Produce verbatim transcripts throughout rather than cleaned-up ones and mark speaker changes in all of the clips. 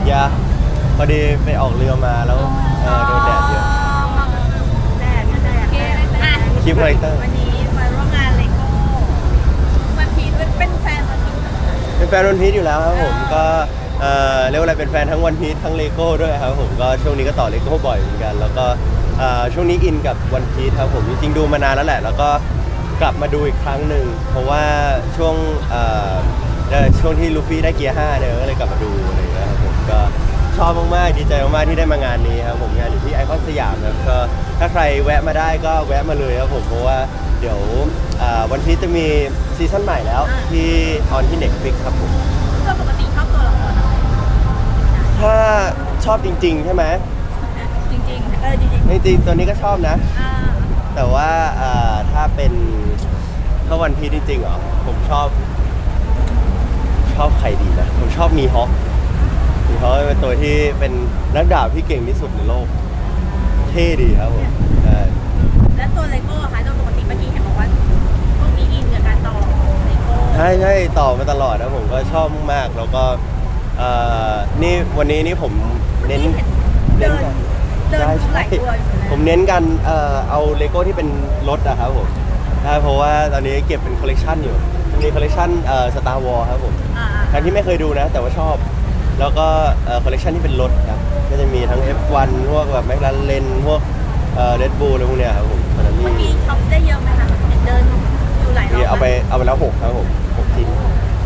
Speaker 1: อย่าพอดีไปออกเรือมาแล้วเออโดนแดดเยอะ
Speaker 2: แดดแดดอ่ะ
Speaker 1: คลิปคาแรคเตอร์
Speaker 2: วันนี้มาร่วมงานเลโก้วันพีชเป็นแฟนวันพีช
Speaker 1: เป็นแฟนวันพีชอยู่แล้วครับผมก็เออเรียกว่าอะไรเป็นแฟนทั้งวันพีชทั้งเลโก้ด้วยครับผมก็ช่วงนี้ก็ต่อเลโก้บ่อยเหมือนกันแล้วก็ช่วงนี้อินกับวันพีชครับผมจริงๆดูมานานแล้วแหละแล้วก็กลับมาดูอีกครั้งหนึ่งเพราะว่าช่วงช่วงที่ลูฟี่ได้เกียร์ห้าเนี่ยก็เลยกลับมาดูอะไรอย่างเงี้ยครับผมก็ชอบมากๆดีใจมากๆที่ได้มางานนี้ครับผมงานอยู่ที่ไอคอนสยามครับก็ถ้าใครแวะมาได้ก็แวะมาเลยครับผมเพราะว่าเดี๋ยววันพีชจะมีซีซั่นใหม่แล้วที่ออนที่ Netflix ครับผม
Speaker 2: ก็ปกติชอบตัวละครอะไร
Speaker 1: ถ้าชอบจริงๆใช่ไหม
Speaker 2: จริงๆเออจริง
Speaker 1: ๆจริงๆตัวนี้ก็ชอบนะแต่ว่าถ้าเป็นถ้าวันพีชจริงๆเหรอผมชอบชอบใครดีนะผมชอบมีฮอคมีฮอคเป็นตัวที่เป็นนักดาบที่เก่งที่สุดในโลกเท่ดีครับผมใช่
Speaker 2: แล้วตัวเลโก้ค่ะโดยปกติเมื่อกี้เห็นบอกว่าพวกนี้อินกับการต่อเลโก้
Speaker 1: ใช่ใช่ต่อมาตลอดนะผมก็ชอบมากแล้วก็นี่วันนี้นี่ผมเน้น
Speaker 2: เน้นใช่ใช่
Speaker 1: ผมเน้นกันเอาเลโก้ที่เป็นรถอะครับผมใช่เพราะว่าตอนนี้เก็บเป็นคอลเลกชันอยู่มีคอลเลกชันสตาร์วอร์ครับผมใครที่ไม่เคยดูนะแต่ว่าชอบแล้วก็คอลเลกชันที่เป็นรถครับก็จะมีทั้ง เอฟ วัน พวกแบบแมคลาเรนพวกเรดบูลอะไรพวกเนี้ยครับผม
Speaker 2: เมื่อกี้ช็อปได้เยอะไหมคะเดินอยู่หลายรอบ
Speaker 1: เอาไปเอาไปแล้วหกครับผมหกชิ้น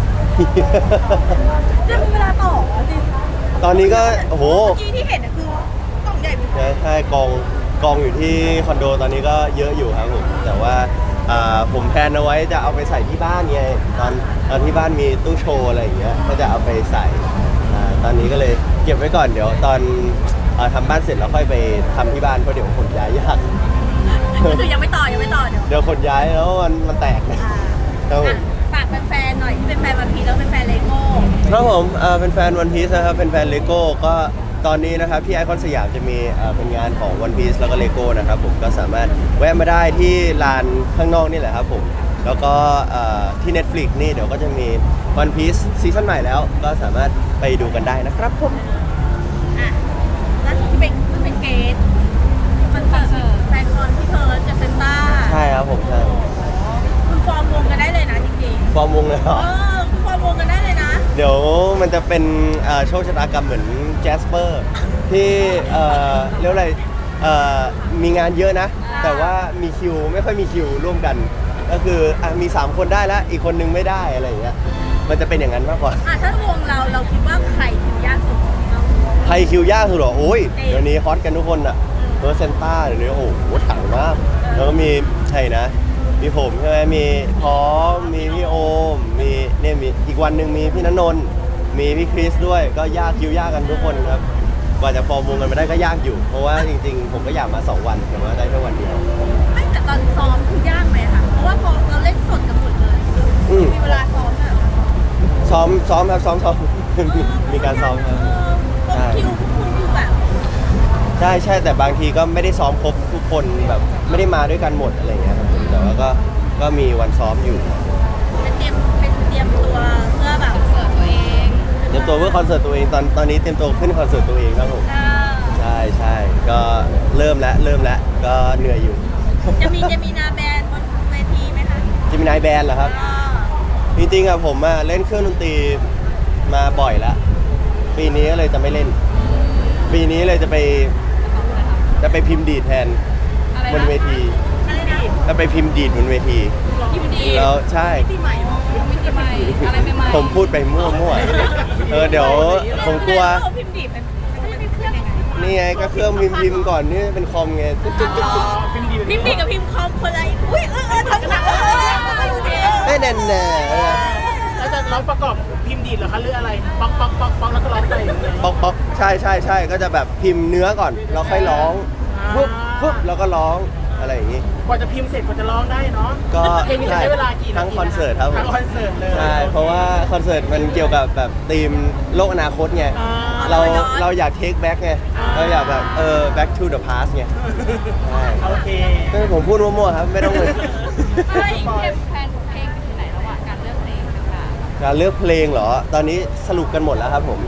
Speaker 2: จะมีเวลาต่อจริง
Speaker 1: ตอนนี้ก็โอ้โห
Speaker 2: เมื่อกี้ที่เห็นคือกล่องใหญ่
Speaker 1: ใช่กองกองอยู่ที่คอนโดตอนนี้ก็เยอะอยู่ครับผมแต่ว่าผมแพลนเอาไว้จะเอาไปใส่ที่บ้านไงตอนตอนที่บ้านมีตู้โชว์อะไรอย่างเงี้ยก็จะเอาไปใส่ตอนนี้ก็เลยเก็บไว้ก่อนเดี๋ยวตอนทำบ้านเสร็จแล้วค่อยไปทำที่บ้านเพราะเดี๋ยวขนย้ายยาก
Speaker 2: ก็คือยังไม่ต่อยังไม่ต่อเดี๋ยว
Speaker 1: เดี๋ยวขนย้ายแล้วมันมันแตก
Speaker 2: ครับฝากแฟนๆหน่อยที่เป็นแฟนวันพีชแล้วเป็นแฟนเลโก้
Speaker 1: ครับผมเป็นแฟนวันพีชนะครับเป็นแฟนเลโก้ก็ตอนนี้นะครับที่ไอคอนสยามจะมีเป็นงานของ One Piece แล้วก็ Lego นะครับผมก็สามารถแวะมาได้ที่ลานข้างนอกนี่แหละครับผมแล้วก็ที่ Netflix นี่เดี๋ยวก็จะมี One Piece ซีซั่นใหม่แล้วก็สามารถไปดูกันได้นะครับผม
Speaker 2: อ่ะแล้วที่เป็นเป็นเกสมันเสิร์ฟแฟนคอนที่เพิร์ดกับเซนต้า
Speaker 1: ใช่ครับผมใช่
Speaker 2: คุณฟอร์มวงกันได้เลยนะจริง
Speaker 1: ๆฟอร์มวงเลยเหรอ
Speaker 2: เออคุณฟอร์มวงกันได้เลยนะ
Speaker 1: เดี๋ยวมันจะเป็นโชคชะตากรรมเหมือนแจสเปอร์ที่เรียกอะไรมีงานเยอะนะแต่ว่ามีคิวไม่ค่อยมีคิวร่วมกันก็คือมีสามคนได้แล้วอีกคนนึงไม่ได้อะไรอย่างเงี้ยมันจะเป็นอย่างนั้นมากกว่า
Speaker 2: ถ้าวงเราเราคิดว่าใครคิวยากสุด
Speaker 1: ใครคิวยากสุดหรอโอ้ยเดี๋ยวนี้ฮอตกันทุกคนอะเออเซนต้าเดี๋ยวนี้โอ้โหถังมากแล้วก็มีใช่นะมีผมใช่ไหมมีพร้อมมีพี่โอมมีเนี่ยมีอีกวันหนึ่งมีพี่ณนนท์มีพี่คริสด้วยก็ยากคิวยากกันทุกคนครับกว่าจะฟอร์มวงกันมาได้ก็ยากอยู่เพราะว่าจริงๆผมก็อยากมาสองวันแต่ว่าได้แค่วันเดียว
Speaker 2: ไม่แต่ตอนซ้อมคือยากไหมคะเพราะว่าพอเราเล่นสดกันหมดเลยมีเวลาซ้อมอะ
Speaker 1: ซ้อมซ้อมครับซ้อมซ้อมมีการซ้อมครับ
Speaker 2: ใช่คิวคุณคือแบบ
Speaker 1: ใช่ใช่แต่บางทีก็ไม่ได้ซ้อมครบทุกคนแบบไม่ได้มาด้วยกันหมดอะไรอย่างเงี้ยครับแต่ว่าก็ก็มีวันซ้อมอยู่
Speaker 2: เป็นเตรียมเป็นเตรียมตัวเพื่อแบบคอนเสิร์ตตัวเอง
Speaker 1: เตรียมตัวเพื่อคอนเสิร์ตตัวเองตอนตอนนี้เตรียมตัวขึ้นคอนเสิร์ตตัวเองครับผมใช่ใช่ก็เริ่มแล้วเริ่มแล้วก็เหนื่อยอยู่
Speaker 2: จะมีจะมีนาแบนบนเวทีไหมคะ
Speaker 1: จะมีนายแบนเหรอครับจริงๆอะผมอะเล่นเครื่องดนตรีมาบ่อยแล้วปีนี้ก็เลยจะไม่เล่นปีนี้เลยจะไปจะไปพิมพ์ดีดแทนบนเวทีจะไปพิมพ์ดีดบนเวทีแล้วใช่ผมพูดไปมั่วๆเออเดี๋ยวผมกลัวนี่ไงก็เครื่องพิมพ์พิมพ์ก่อนนี่เป็นคอมไง
Speaker 2: พิมพ์ดีกับพิมพ์คอมคนละอุ้ยเออเออทำหนัก
Speaker 1: ไม่แน่แน่
Speaker 3: แล้วจะร้องประกอบพิมพ์ดีดเหรอคะหรืออะไรป๊อกป๊อกป๊อกป๊อกแล้วก็ร้องไป
Speaker 1: ป๊อกป๊อกใช่ใช่ใช่ก็จะแบบพิมพ์เนื้อก่อนแล้วค่อยร้องปุ๊บปุ๊บแล้วก็ร้องอะไรอย่างงี้
Speaker 3: กว่าจะพิมพ์เสร็จกว่าจะร้องได้เนาะ
Speaker 1: ก็
Speaker 3: ใช้เวลากี่
Speaker 1: ทั้งคอนเสิร์ตครับ
Speaker 3: ทั้งคอนเสิร์ตเลย
Speaker 1: ใช่เพราะว่าคอนเสิร์ตมันเกี่ยวกับแบบธีมโลกอนาคตไงเราเราอยากเทคแบ็กไงเราอยากแบบเออ back to the past ไงใช่
Speaker 3: โอเค
Speaker 1: ผมพูดมั่วๆครับไม่ต้องเลย
Speaker 2: ใช่แพนเพลงไปถึงไหนแล้วอ่ะการเลือกเพลงต่างๆ
Speaker 1: การเลือกเพลงเหรอตอนนี้สรุปกันหมดแล้วครับผม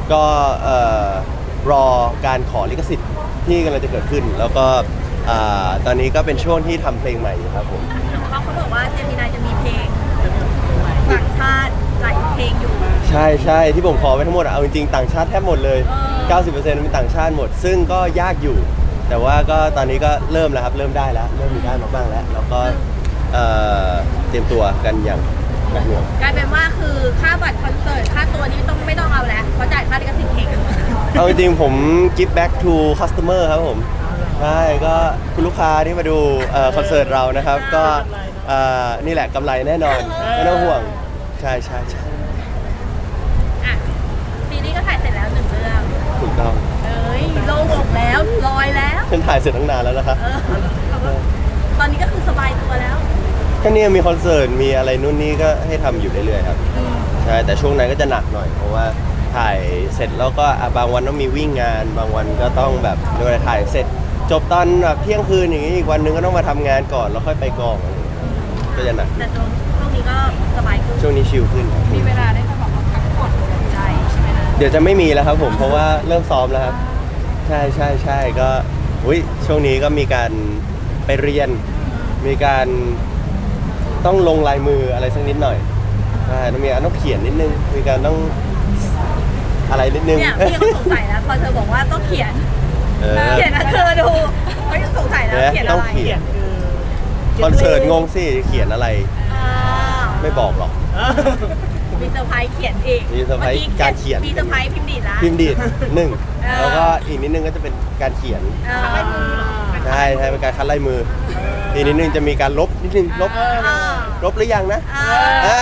Speaker 1: ก็เอ่อรอการขอลิขสิทธิ์ที่กำลังจะเกิดขึ้น แล้วก็อ่าตอนนี้ก็เป็นช่วงที่ทำเพลงใหม่อยู่ครับผม
Speaker 2: เขาเขาบอกว่าเจมินายจะมีเพลงต่างชาติหลายเพลงอยู่
Speaker 1: ใช่ใช่ที่ผมขอไว้ทั้งหมดอะเอาจริงๆต่างชาติแทบหมดเลย
Speaker 2: เออ
Speaker 1: เก้าสิบเปอร์เซ็นต์เป็นต่างชาติหมด ซึ่งก็ยากอยู่ แต่ว่าก็ตอนนี้ก็เริ่มแล้วครับเริ่มได้แล้วเริ่มมีได้มาบ้างแล้วแล้วก็เอ่อเตรียมตัวกันอย่างหนักหน่วง
Speaker 2: กลายเป็นว่าคือค่าบัตรคอนเสิร์ตค่าตัวนี้ต้องไม่ต้องเอาแล้วเพราะจ่ายค่าลิขสิทธิ์เพลงกันหมดแล้ว
Speaker 1: เอาจริงๆผม give back to customer ครับผมใช่ก็คุณลูกค้าที่มาดูเอ่อคอนเสิร์ตเรานะครับ ก็เอ่อนี่แหละกำไรแน่นอนไม่ต้องห่วงใช่ใช่ใช่
Speaker 2: อ่ะปีนี้ก็ถ่ายเสร็จแล้วหนึ่งเรื่อง
Speaker 1: ถูกต้อง
Speaker 2: เอ้ยโล่งอกแล้วลอยแล้ว
Speaker 1: ฉันถ่ายเสร็จตั้งนานแล้วนะครับ
Speaker 2: เออตอนนี้ก็คือสบายตัวแล้ว
Speaker 1: ก็เนี่ยมีคอนเสิร์ตมีอะไรนู่นนี่ก็ให้ทำอยู่เรื่อยๆครับใช่แต่ช่วงนั้นก็จะหนักหน่อย เพราะว่าถ่ายเสร็จแล้วก็อ่ะบางวันต้องมีวิ่งงาน บางวันก็ต้องแบบเรียกว่าอะไรถ่ายเสร็จ จบตอนแบบเที่ยงคืนอย่างนี้อีกวันหนึงก็ต้องมาทำงานก่อนแล้วค่อยไปกองอะไรอย่างเงี้ยก็จะหนัก
Speaker 2: แต่ช่วงช่วงนี้ก็สบายขึ้น
Speaker 1: ช่วงนี้ชิลขึ้นครับ
Speaker 4: มีเวลาได้มาแบบว่าพักผ่อนหย่อนใจใช่ไหมคะ
Speaker 1: เดี๋ยวจะไม่มีแล้วครับผมเพราะว่าเริ่มซ้อมแล้วครับ ใช่ใช่ใช่ก็อุ้ยช่วงนี้ก็มีการไปเรียน มีการต้องลงลายมืออะไรสักนิดหน่อยใช่ต้องมีการต้องเขียนนิดนึงมีการต้องอะไรนิดนึง
Speaker 2: เนี่ยพี่เขาสงสัยแล้วพอเธอบอกว่าต้องเขียน
Speaker 1: เออ
Speaker 2: เขียนนะเธอดูเขายังสงสัยแล้ว
Speaker 1: เนี่ย
Speaker 2: เขียน
Speaker 1: ต้
Speaker 2: อะ
Speaker 1: อง
Speaker 2: ไร
Speaker 1: เขียน
Speaker 3: คือ
Speaker 1: คอนเสิร์ตงงสิเขียนอะไร
Speaker 2: อ่า
Speaker 1: ไม่บอกหรอก
Speaker 3: เออ
Speaker 2: มีเซอร์ไพรส์เขียนอีก
Speaker 1: มีเซอร์ไพรส์การเขียน
Speaker 2: มีเซอร์ไพรส์พิมพ์ดีดละ
Speaker 1: พิมพ์ดีดหนึ่ง
Speaker 2: เออ
Speaker 1: แล้วก็อีกนิดนึงก็จะเป็นการเขียน
Speaker 2: เออ
Speaker 1: ใช่ใช่เป็นการคัดลายมือ อีกนิดนึงจะมีการลบนิดนึงลบ
Speaker 2: เออ
Speaker 1: ลบหรือยังนะ
Speaker 2: เออ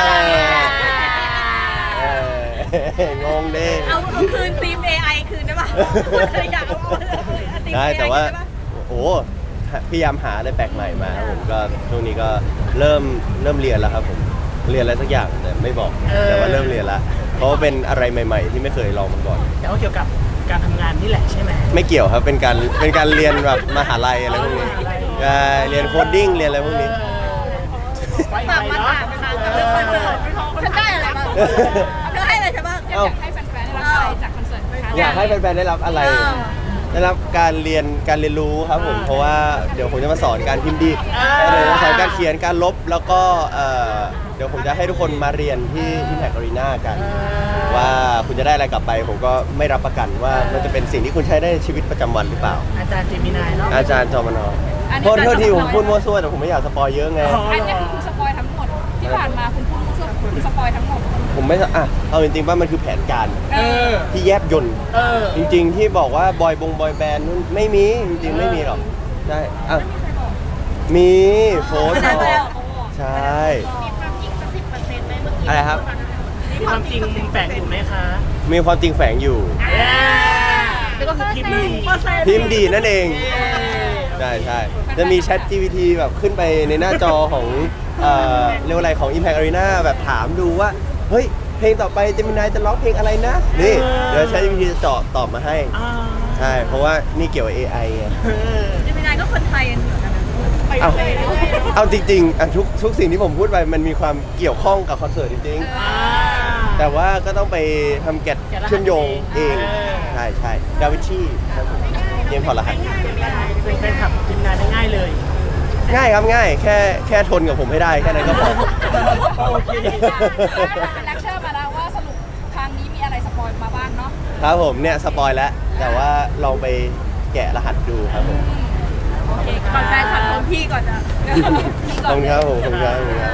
Speaker 1: เอองงดิ
Speaker 2: เอาเอาคืนทีม เอ ไอ คืนได้ปะเคยอยากเอาคืนทีม
Speaker 1: ได้
Speaker 2: เอ ไอ
Speaker 1: แต่ว่า
Speaker 2: คืนได้ปะ
Speaker 1: โอ้โหพยายามหาอะไรแปลกใหม่มาครับผมก็ช่วงนี้ก็เริ่มเริ่มเรียนแล้วครับผมเรียนอะไรสักอย่างแต่ไม่บอกแต่ว่าเริ่มเรียนแล้วเพราะว่าเป็นอะไรใหม่ ๆ ที่ไม่เคยลองมาก่อน
Speaker 3: แต่ว่าเกี่ยวกับการทำงานนี่แหละใช่ไหม
Speaker 1: ไม่เกี่ยวครับเป็นการเป็นการเรียนแบบมหาลัยอะไรพวกนี้ใช่เรียนโคดดิ้งเรียนอะไรพวกนี้
Speaker 2: ฝากมาถามค่ะกับเรื่องคอนเสิร์ตฉันได้อะไรบ้างเธอให้อะไรฉันบ้าง
Speaker 4: อยากให้แฟนๆได้รับอะไรจากคอนเสิร์ตคะ
Speaker 1: อยากให้แฟนๆได้รับอะไร ได้รับการเรียนการเรียนรู้ครับผม เพราะว่าเดี๋ยวผมจะมาสอนการพิมพ์ดีดเดี๋ยวจะสอนการเขียนการลบแล้วก็เอ่อเดี๋ยวผมจะให้ทุกคนมาเรียนที่ Impact Arena กัน ว่าคุณจะได้อะไรกลับไป ผมก็ไม่รับประกันว่ามันจะเป็นสิ่งที่คุณใช้ได้ในชีวิตประจำวันหรือเปล่า
Speaker 3: อาจารย์เจมินายเนาะ
Speaker 1: อาจารย์จอมนอโทษโทษทีผมพูดมั่วซั่วแต่ผมไม่อยากสปอยเยอะไง
Speaker 3: อ๋อ
Speaker 4: อันนี้คือคุณสปอยทั้งหมด ที่ผ่านมาคุณพูดเพื่อคุณสปอยทั้งหมด
Speaker 1: ผมไม่อ่ะเอาจริงๆว่ามันคือแผนการ
Speaker 3: เออ
Speaker 1: ที่แยบยนต์
Speaker 3: เออ
Speaker 1: จริงๆที่บอกว่าบอยบงบอยแบนด์นู่นไม่มีจริงๆไม่มีหรอกใช่อ่ะมีโฟน
Speaker 2: ได้
Speaker 1: บ
Speaker 2: ไป
Speaker 1: อ
Speaker 2: แล้ว
Speaker 1: กใช่
Speaker 2: มีความจริงสักสิบเปอร์เซ็นต์ไหมเมื่อกี้
Speaker 1: อะไรครับ
Speaker 3: มีความจริงแฝงอยู่ไหมคะ
Speaker 1: มีความจริงแฝงอยู่
Speaker 3: แล้วก็คือพิมพ์ดี
Speaker 1: พิมพ์ดีนั่นเองใช่ใช่จะมีแชท จี พี ที แบบขึ้นไปในหน้าจอของเอ่อเรียกว่าอะไรของ Impact Arena แบบถามดูว่า เฮ้ย เพลงต่อไปเจมินายจะร้องเพลงอะไรนะ นี่ เดี๋ยวแชท จี พี ที จะเจาะตอบมาให้
Speaker 3: อ่า
Speaker 1: ใช่ เพราะว่านี่เกี่ยวกับ เอ ไอ ไง
Speaker 3: เออ
Speaker 2: เจมินายก็คนไทยกันเหมือนกันนะไป
Speaker 1: เอา
Speaker 2: เรื่อยๆ
Speaker 1: เอาจริงๆอ่ะทุกทุกสิ่งที่ผมพูดไปมันมีความเกี่ยวข้องกับคอนเสิร์ตจริง
Speaker 3: อ่า
Speaker 1: ๆ แต่ว่าก็ต้องไปทำแกะ
Speaker 3: แกะรหัส
Speaker 1: เชื่อมโยงเอง
Speaker 3: เออ
Speaker 1: ใช่ใช่ดาวินชีครับผมเกมถอดรหัส
Speaker 3: เป็นแฟนคลับเจมินายได้ง่ายเลย
Speaker 1: ง่ายครับง่าย แค่แค่ทนกับผมให้ได้แค่นั้นก็พอ
Speaker 3: โอเค
Speaker 4: เป็นเลคเชอร์มาแล้วว่าสรุปครั้งนี้มีอะไรสปอยมาบ้างเนาะ
Speaker 1: ครับผมเนี่ยสปอยแล้ว แต่ว่าลองไปแกะรหัสดูครับผม
Speaker 2: โอเคก่อนแฟนคลับของพี่ก่อนนะ
Speaker 1: ขอบคุณครับผมขอบคุณครับขอบคุณครับ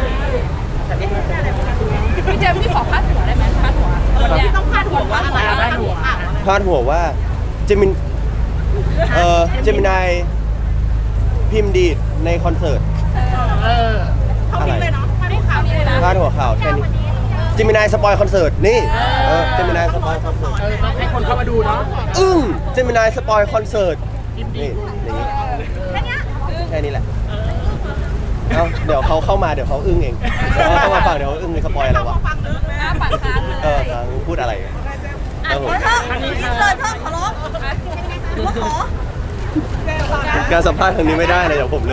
Speaker 4: พี่เจมส์พี่ขอพาดหัวได้ไหมพาดหัววันเนี้ย
Speaker 2: ต้องพาดหัวว่าอะไร
Speaker 3: พาดหัว
Speaker 1: พาดหัวว่าเจมินเอ่อเจมินายพิมพ์ดีดในคอนเสิร์ต
Speaker 3: เออ
Speaker 2: เท่านี้เลยเนาะไม่ได้ข่าวนี้เลยนะ
Speaker 1: พาดหัวข่าวแค่นี้เจมินายสปอยคอนเสิร์ตนี่เออเจมินายสปอยคอนเสิร์ต
Speaker 3: เออต้องให้คนเข้ามาดูเนาะ
Speaker 1: อึ้งเจมินายสปอยคอนเสิร์ต
Speaker 3: พิมพ์ดี
Speaker 1: นี่อย่างนี้
Speaker 2: แค่เนี้ย
Speaker 1: แค่นี้แหละเอาเดี๋ยวเขาเข้ามาเดี๋ยวเขาอึ้งเองเดี๋ยวเขาเข้ามาฟังเดี๋ยวเขาอึ้งเลยสปอยอะไรวะ
Speaker 2: ฟังลึกเลย
Speaker 4: หน้าปากค้างเลย
Speaker 1: เออครับพูดอะไร
Speaker 2: อ่ะขอเถอะอินเสิร์ตเถอะขอร้องหรือว่าขอ
Speaker 1: การสัมภาษณ์ครั้งนี้ไม่ได้เลยเดี๋ยวผม